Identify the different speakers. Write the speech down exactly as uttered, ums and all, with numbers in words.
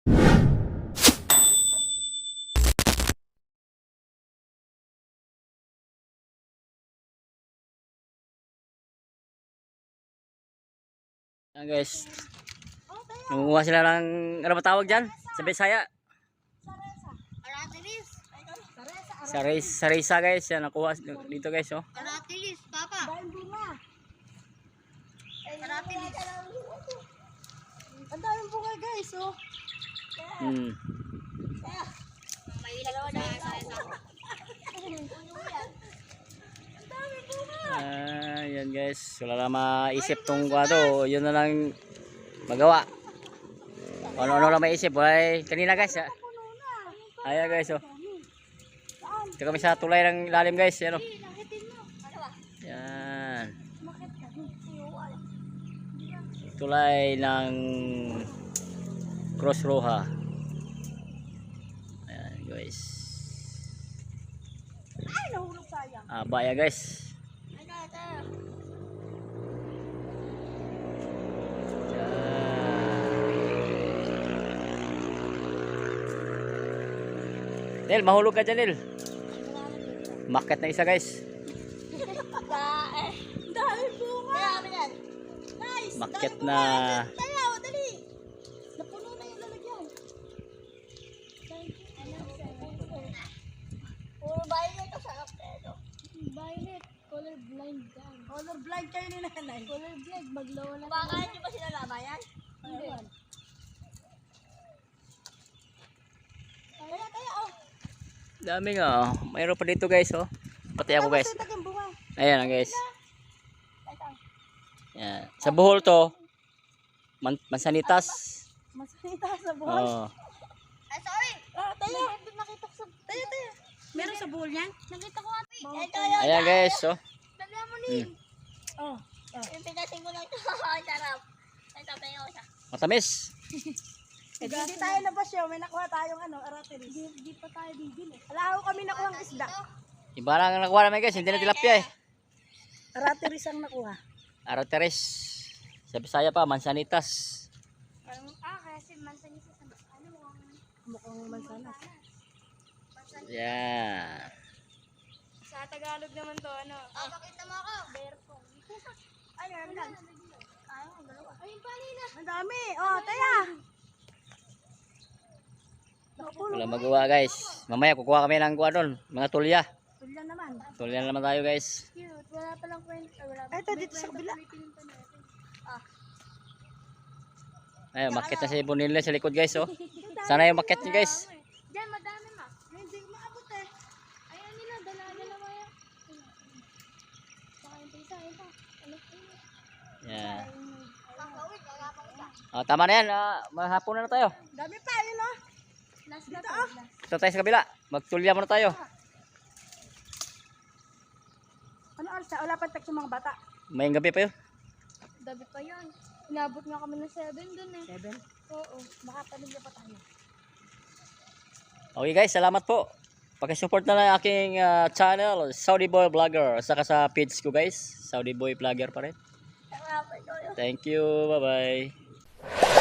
Speaker 1: Ayan guys, nangunguha sila ng, ano ba tawag dyan? Sa Bisaya? Saris, sarisa guys, yan nakuha dito guys oh.
Speaker 2: Aratilis, papa. Aratilis.
Speaker 3: Ang daming bunga guys oh.
Speaker 1: Hmm.
Speaker 2: May dalawa na sa isa.
Speaker 1: Ah, yan guys, wala na maisip tong kwado, yun na lang magawa. Ano-ano lang maisip, wala kanina guys. Ah. Ayan guys oh. Ito kami sa tulay ng ilalim guys, yan oh. Yan. Tulay ng Cross Roja. Ayan guys.
Speaker 3: Ay, nahulog sayang.
Speaker 1: Ah, baya guys.
Speaker 2: Ano, ito.
Speaker 1: Nel, mahulog ka dyan Nel. Market na isa guys.
Speaker 3: Ang daming bunga.
Speaker 2: Kaya kami yan.
Speaker 3: Nice.
Speaker 1: Market
Speaker 3: daming
Speaker 1: na.
Speaker 3: bunga. Dali, oh, dali. Napuno na yung lalagyan.
Speaker 2: Puro violet ito sa kapero.
Speaker 4: Violet, color blind ka.
Speaker 3: Color blind kayo ni nanay.
Speaker 4: Color blind, maglawa na.
Speaker 2: Baka hindi ba sila lamayan?
Speaker 4: Hindi.
Speaker 3: Kaya, kaya, oh.
Speaker 1: Dami nga oh. Mayroon pa dito guys oh. Pati ako guys.
Speaker 3: Tapos yung bunga.
Speaker 1: Ayan guys. Yan. Sa Bohol to. Man Mansanitas.
Speaker 3: Masanita sa buhol.
Speaker 1: Oh.
Speaker 2: Ay, sorry.
Speaker 3: Ah, tayo.
Speaker 4: Nakita ko sa...
Speaker 3: Tayo, tayo. Meron sa buhol yan?
Speaker 4: Nakita ko ate.
Speaker 2: Ito yun.
Speaker 1: Ayan guys oh.
Speaker 2: Dala mo ni.
Speaker 1: Hmm.
Speaker 3: Oh.
Speaker 2: Yung pinasin ko lang ito. Ang sarap. Ito, tayo ko siya.
Speaker 1: Matamis.
Speaker 3: Eh, di, di tayo labas yun. May nakuha tayong ano, aratilis.
Speaker 4: Di, di pa tayo bibili.
Speaker 3: Wala ako kami nakuha ng isda.
Speaker 1: Iba lang ang nakuha namin guys. Hindi na tilapia eh.
Speaker 3: Aratilis ang nakuha.
Speaker 1: Arateres. Sa Bisaya pa, Mansanitas.
Speaker 4: Parang, ah, kasi mansan niya sa ano mo.
Speaker 3: Mukhang mansanas.
Speaker 1: Yan.
Speaker 4: Sa Tagalog naman to, ano.
Speaker 2: Oh, pakita mo ako.
Speaker 4: Berpong.
Speaker 3: Ay, meron lang.
Speaker 2: Ayaw, ang dalawa.
Speaker 4: Ayun pa nila.
Speaker 3: Ang dami. Oh, taya. Nakupulo.
Speaker 1: Wala magawa guys. Mamaya kukuha kami ng kuha doon. Mga tulya.
Speaker 3: Tulyan naman.
Speaker 1: Tulya naman tayo guys.
Speaker 4: Cute. Wala palang kwenta. Wala
Speaker 3: Ay, ito, dito sa kabila.
Speaker 1: Ayun, market na si Bonilla sa likod guys oh. Sana yung market nyo guys.
Speaker 4: Diyan, madami ma.
Speaker 3: Hindi ko maabot eh.
Speaker 4: Ayan nila, dala-dalawa yan. Saka yung isa, ayun pa. Ano pa yun?
Speaker 1: Yan.
Speaker 2: Pangkawin, wala pang isa.
Speaker 1: Oh, tama na yan. Ah, mahapon na, na tayo.
Speaker 3: Dami pa, yun oh.
Speaker 4: Last na
Speaker 3: Dito
Speaker 4: to.
Speaker 3: oh.
Speaker 1: Ito tayo sa kabila. Magtulya muna tayo.
Speaker 3: Ano oras na? Wala pang text yung mga bata.
Speaker 1: Mayang gabi pa yun.
Speaker 4: Dabi pa yan. Inabot nga kami ng seven dun eh.
Speaker 3: Seven.
Speaker 4: Oo.
Speaker 3: Baka pamilya pa tayo.
Speaker 1: Okay guys, salamat po. Pakisupport na lang aking ah, channel, Saudi Boy Vlogger. Saka sa page ko guys, Saudi Boy Vlogger pa rin. Thank you. Bye-bye.